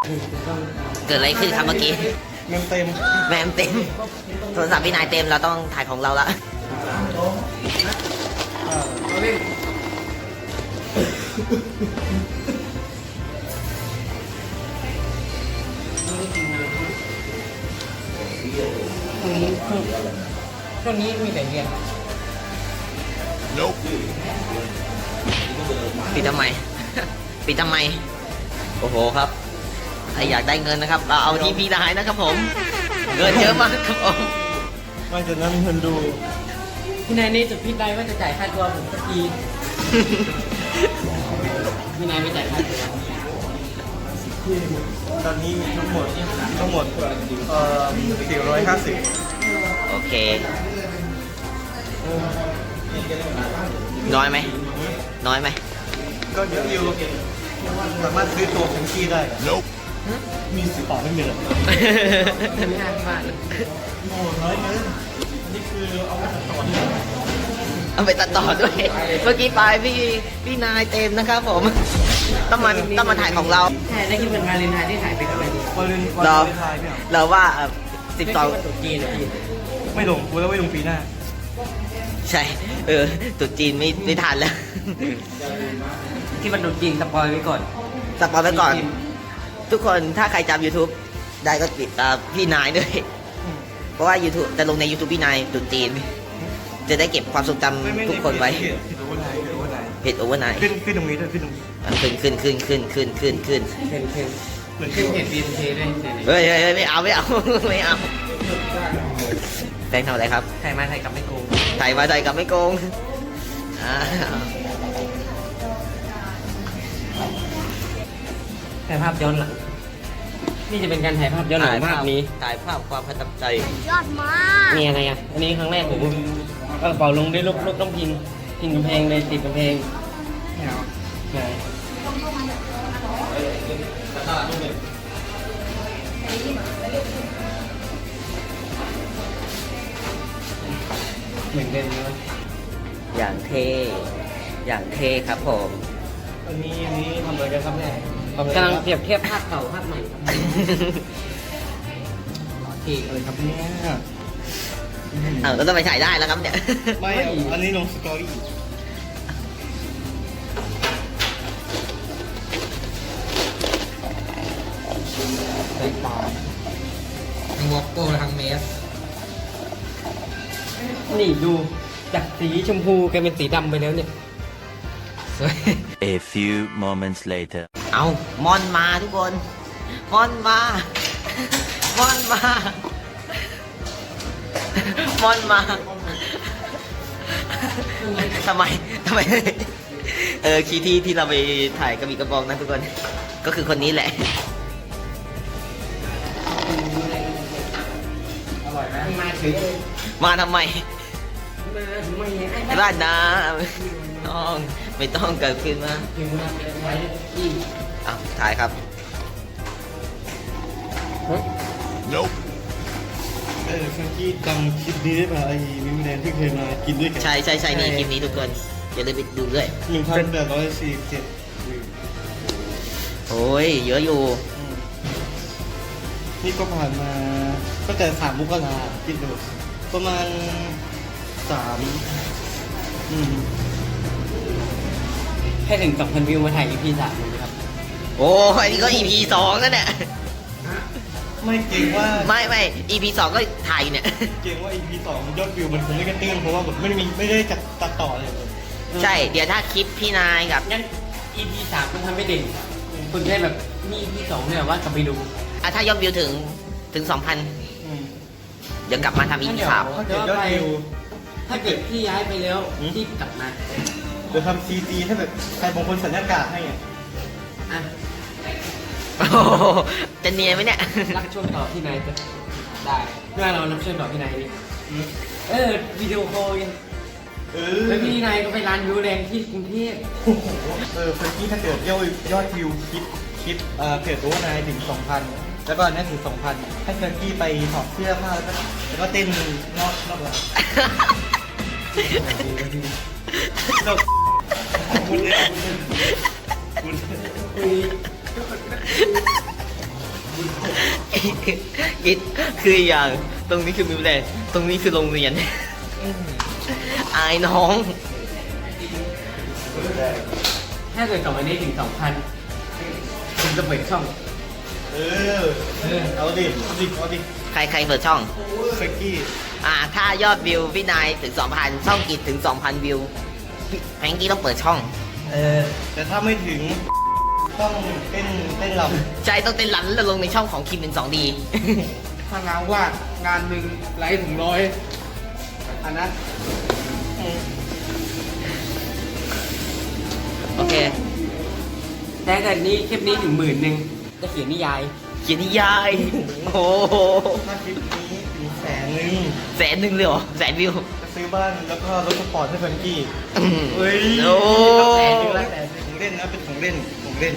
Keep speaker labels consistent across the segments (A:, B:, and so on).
A: เกิดอะไรขึ้นครับเมื่อกี้
B: เมมเต็ม
A: แมมเต็มโทรศัพท์พี่นายเต็มเราต้องถ่ายของเราละ
C: ช่วงนี้มีแต่เรียน
A: ปิดทำไม ปิดทำไม โอ้โหครับใครอยากได้เงินนะครับเราเอาที่พี่นายนะครับผมเงินเยอะมากครับผม
B: ไม่จะนั่งเงินดู
C: พี่นายนี่จุดพิดได้ว่าจะจ่ายค่าตัวผมสักทีพี่นายไม่จ่ายค่าตัว
B: ตอนนี้มีทั้งหมด450
A: โอเคน้อยไหมน้อยไหม
B: ก็เยอะอยู่สามารถซื้อตัวของกี้ได้มีสิบต่อไม่มีเลย
C: ไม่น่าพลาดเลย
B: โอ้น้อยเกินนี่คือเอาไปตัดต่อ
A: เอาไปตัดต่อด้วย เมื่อกี้ไปพี่นายเต็มนะครับผมต้องมาถ่ายของเรา
C: ใช่ได้คิดเป็นวาเลนไทน์ที่ถ่ายไปกับอะไรดี
B: วันเลน
A: เรา
B: ไทน์เนี่ย
A: เราว่า
C: ไม่คิดว่าตุ๊กจีนเหรอพี่
B: ไม่ลงกูแล้วไม่ลงปีหน้า
A: ใช่ตรุ๊จีนไม่ทันแล้ว
C: ที่มันตุ๊กจีนสปอยไว้ก่อน
A: สปอยไว้ก่อน ทุกคนถ้าใครจำ YouTube ได้ก็ติดตามพี่นายด้วย เพราะว่า YouTube จะลงใน YouTube พี่นายตรุ๊จีน จะได้เก็บความทรงจำทุกคนไว้
B: ผิดโอเวอร์ไนท์
A: เพจโอเวอร์ไนท์
B: ขึ้นตรงนี้ด้วยขึ้นตรงนี้
A: ขึ้น
C: เพนขึ้นเพจบีนเทด้วย
A: เฮ้ยไม่เอาไม่เอาแฟนทำอะไรครับ
C: ถ่ายมาถ่ายกลับไม่โกง
A: ถ่ายมาถ่ายกลับไม่โกงอ่า
C: ถ่ายภาพย้อนหลังนี่จะเป็นการถ่ายภาพย้อนหลังภาพนี้
A: ถ่ายภาพความประทับใจ
D: ยอดมาก
C: มีอะไรอ่ะอันนี้ครั้งแรกผมกระเป๋าลงด้วยลูกต้องพิงกำแพงเลยติดกำแพงไหนเหมือนกันนะ
A: อย่างเท่ครับผม
B: อันนี้ทำอะไรกันครับเนี่ย
C: กำลังเปรียบเทียบภาพเก่าภาพใหม่ครับโอเค
B: อะไรครับเนี่ย
A: ก็ต้องไปถ่ายได้แล้วครับเนี่ย
B: ไม่อันนี้ลงสตอรี่
C: ใส่ปลาทั้งวอปโก้ทั้งเมสนี่ดูจากสีชมพูกลายเป็นสีดำไปแล้วเนี่ยสวย
E: A few moments later.
A: เอามอนมาทุกคนมอนมา มอนมา มอนมาทำไมคีย์ที่เราไปถ่ายกระบี่กระบองนะทุกคน ก็คือคนนี้แหละ
C: อร่อยไหมมาถึง
A: มาทำไม
C: มาถึงมาอย่างไอ้
A: บ้านนะไม่ต้องเกิดขึ้นมา
C: ถึงมาเป็นไว้ที่
A: ถ่ายครับ
B: แฟรงกี้จำคลิปนี้ได้ป่ะไอ้มิมแดนที่เคยมากินด้วยกัน
A: ใช่นี่คลิปนี้ทุกคนอย่าลืมไปดูด้วย
B: 1,847
A: โอ้ยเยอะอยู่
B: นี่ก็ผ่านมาก็แต่3 มกราคิดดูประมาณ3
C: ให้ถึง 2,000 วิวมาถ่าย EP 3เลยครับ
A: โอ้ยนี่ก็ EP 2แล้วเนี่ย
B: ไม่เก่งว่า
A: ไม่ EP 2ก็ถ่ายอยู่เนี่ย
B: เก่งว่า EP 2 ยอดวิวมันคงไม่กระเตื้องเพราะว่าแบบไม่ได้จัดตัดต่อเลย
A: ใช่ เดี๋ยวถ้าคลิปพี่นายกับ
C: งั้น EP 3คุณทำไม่เด่นคุณแค่แบบนี่ EP 2เนี่ยว่ากลับไปดู
A: ถ้ายอดวิวถึง 2,000 เดี๋ยวกลับมาทำ EP 3
B: ถ้าเกิดยอดวิว
C: ถ้าเกิดพี่ย้ายไปแล้วพี่กลับมา
B: เดี๋ยวทำ CG ถ้าแบบใครบางคนสัญญากาศให้ไง
C: อ่ะ
A: โอ้โหจะเนียนไหมเนี่ย
C: รับช่วงต่อพี่นายจะได้เมื่อเรารับช่วงต่อพี่นายนี่วิดีโอคอลกันแล้วพี่นายก็ไปร้านวิวแรงที่กรุงเทพ
B: โอ้โหเฟรนกี้ถ้าเกิดยอดวิวคลิปเพจโอเวอร์ไนท์ถึง 2,000 แล้วก็นั่นถึง 2,000 ให้เฟรนกี้ไปถอดเสื้อผ้าแล้วก็เต้นนอกร้านคุณ
A: กิดคืออย่างตรงนี้คือมิวแลนด์ตรงนี้คือโรงเรียน อายน้อง
C: ถ้าเกิดกลับมาได้ถึง 2,000ผมจะเปิดช่อง
B: เอาดิเอาดิ
A: ใครเปิดช่อง
B: เฟรนกี้
A: ถ้ายอดวิวพี่นายถึง 2,000 ช่องกิจถึง 2,000 วิวแฟรงกี้ต้องเปิดช่อง
B: แต่ถ้าไม่ถึงต้องเต้นล
A: ใช่ต้องเต้นรันแล้วลงในช่องของคิมเป็น 2D
C: ถ้างานวาดงานหนึ่งไลฟ์ถึง100อันนั้น
A: โอเค
C: แต่เกิดนี้คลิปนี้ถึง10,000จะเขียนนิยาย
A: เขียนนิยาย โอ้โห
B: ำถ้าคลิปนี้ถึง100,000
A: 100,000เลยเหรอแสนวิว
B: จะซื้อบ้านแล้วก็รถสปอร์ตให้เฟรนกี้ เฮ้ย
A: โอ้
B: ของเล่นนะเป็นของเล่นของเล่น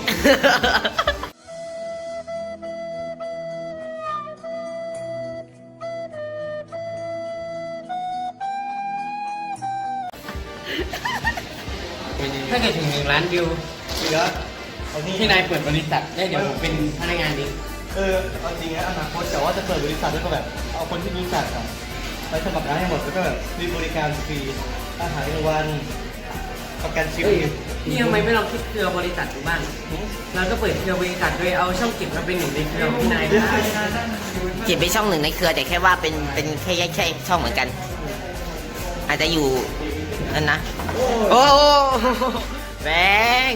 C: ถ้าเกิดถึง1 ล้านวิว
B: เหลือเอานี่
C: พี่นายเปิดบริษัทได้เดี๋ยวผมเป็นพนักงานเอง
B: เอาจริงนะอนาคตแต่ว่าจะเปิดบริษัทแล้วก็แบบเอาคนที่รู้จักอะไปสมัครงานให้หมดแล้วก็แบบมีบริการฟรีอาหารกลางวันประกันชีวิต
C: พี่ทำไมไม่ลองคิดเครือบริษัทดูบ้างเราก็เปิดเครือบริษัทโดยเอาช่องเก็บมาเป็นหนึ่งในเครือของพี่นายได้
A: กิจเป็นช่องหนึ่งในเครือแต่แค่ว่าเป็นแค่แยกช่องเหมือนกัน อาจจะอยู่นั่นนะ โอ้แบง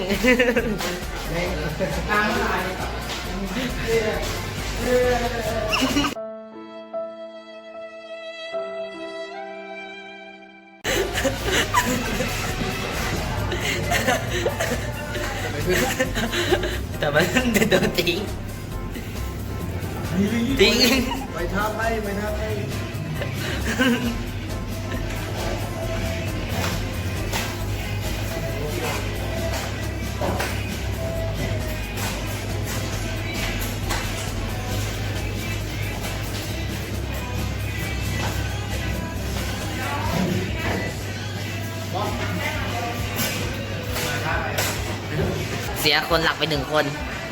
A: แต่มันโดนทิ้งทิ้ง
B: ไปท่าไปท่าไป
A: เสียคนหลักไป1 คน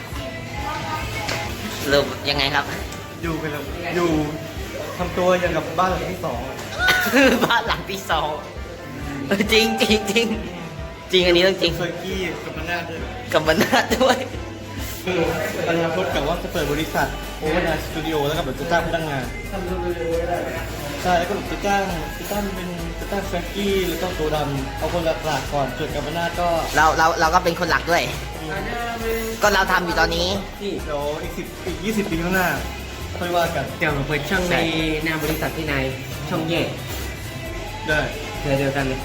A: สรุปยังไงครับ
B: อยู่กันแล้วอยู่ทำตัวอย่างกับบ้านหลังที่2อะ
A: บ้านหลังที่ 2จริงจริงจริงจริงอันนี้ต้องจริง
B: เฟอร์กี้กับมันนาด้วย
A: กับบรรณาด้วย
B: อนาคตกับว่าจะเปิดบริษัทโอเวอร์ไนสตูดิโอแล้วก็แบบจะจ้างพนักงานใช่แล้วก็แบบจะจ้างเฟรนกี้แล้วก็ตัวดำเอาคนหลักๆก่อนส่วนกับมันนาก็
A: เราก็เป็นคนหลักด้วย ก็เราทำอยู่ตอนนี้
C: ที่
B: เดี๋ยวอีก20 ปีข้างหน้าค่อยว่ากัน
C: เดี๋ยวผมเปิดช่องในนามบริษัทพี่นายช่องแยก
B: ได้
C: เครือเดียวกันเลย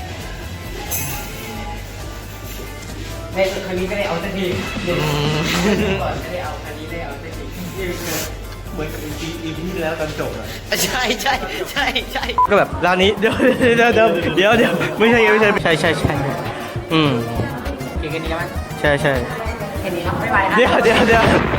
C: ในครั้งนี้ก็ได้เอาสักทีเดี๋ยวก่อนก็ได้เอาครั้งนี้ได้เอาสักทีนี่คือ
B: เหมือนกับอีพีที่แล้วตอนจบอะ
A: ใช่ใช่ใช่ใช่
B: ก็แบบร้านนี้เดี๋ยวไม่ใช่อืม
C: เก่งกันดีแล้วมั้ย
B: ใช่
C: แค่นี้ครับบ๊ายบายนะ
B: เดี๋ยว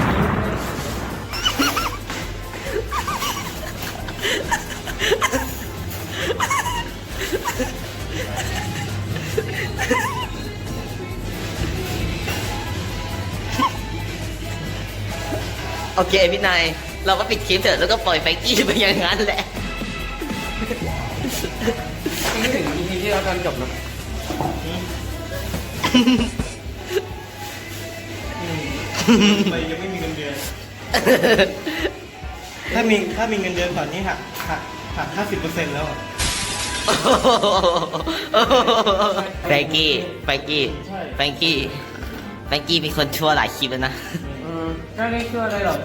A: โอเคพี่นายเราก็ปิดคลิปเถอะแล้วก็ปล่อยไฟกี้ไปอย่างนั้นแหละ
C: ไม่ถึง EP ที่เราตอนจบเนอะ
B: ไปยังไม่มีเงินเดือน ถ้ามีเงินเดือนก่อนนี้หัก 50% แล้วอะ
A: แฟรงกี้เป็นคนชั่วหลายคลิปแล้วนะ
C: ก็ไม่ช่วยอะไรหรอก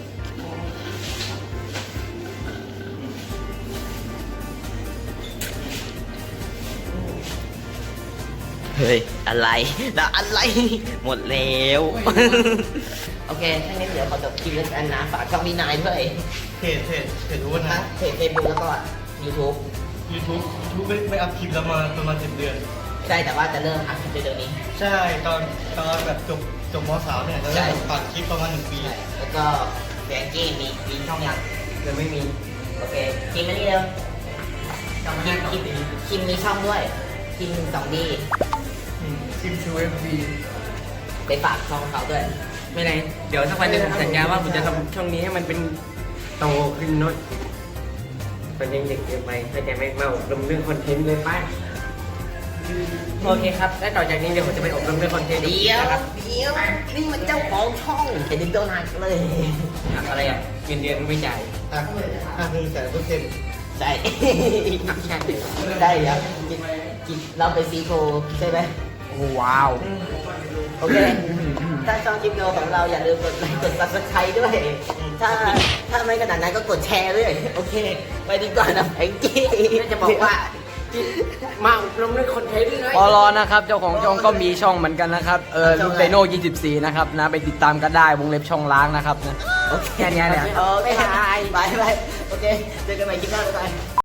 A: เฮ้ย อะไรแล้วอะไร หมดแล้ว โอเคถ้างั้นเดี๋ยวขอจบคลิปแล้วกันนะฝากช่องพี่นายด้วย
B: เพจรู้ว่า
A: ทั้
B: นะ
A: งเพจเฟซบุ๊กแล้วก็ YouTube
B: YouTube ไม่อัพคลิปแล้วมาประมาณ10 เดือน
A: ใช่แต่ว่าจะเริ่มอัพคลิปเร็วๆนี้
B: ใช่ตอนแบบจบม.3เนี่ยจะ
A: ใช่
B: เริ่มปัดคลิปประมาณ1 ปี
A: ใช่แล้วก็แฟรงกี้มีช่องยัง
C: ยังไม่มี
A: โอเคคิมมานี่เร็วช่องคิมมีช่องด้วยคิม2D
C: ทีมชูFB
A: ไปฝากช่องเขาด้วย
C: ไม่ไรเดี๋ยวสักวันหนึ่งผมสัญญาว่าผมจะทำช่องนี้ให้มันเป็นโตขึ้นหน้อยมันยังเด็กเกินไปเข้าใจไหมมาอบรมเรื่องคอนเทนต์เลยป้าโอเคครับและต่อจากนี้เดี๋ยวผมจะไปอบรมเรื่องคอนเทนต์
A: เดี๋ยว
C: นะครับ
A: นี่มันเจ้าของช่องเห็นตัวหนักเลย
C: อะไรอ่ะเงินเดือนไม่จ่าย
A: ใช่
C: ใช่
A: ได้ครับกินเราไปซีโฟใช่ไหม
C: ว้าว
A: โอเค ถ้าชอบคลิปวิดีโอของเราอย่าลืมกดไลค์กด subscribe ด้วย ถ้าไม่ขนาดนั้นก็กดแชร์ด้วย โอเค ไปดีกว่านะแองกี้
C: จะบอกว่ามาอบรมเรื่องคอนเทนต์เลย
D: ปอลอนะครับเจ้าของช่องก็มีช่องเหมือนกันนะครับลูกไดโน่24นะครับนะไปติดตามกันได้วงเล็บช่องล้างนะครับนะ
A: โอเค
C: แค่นี้แหละ
A: โอเคบายบายโอเค เจอกันใหม่คลิปหน้าบ๊ายบาย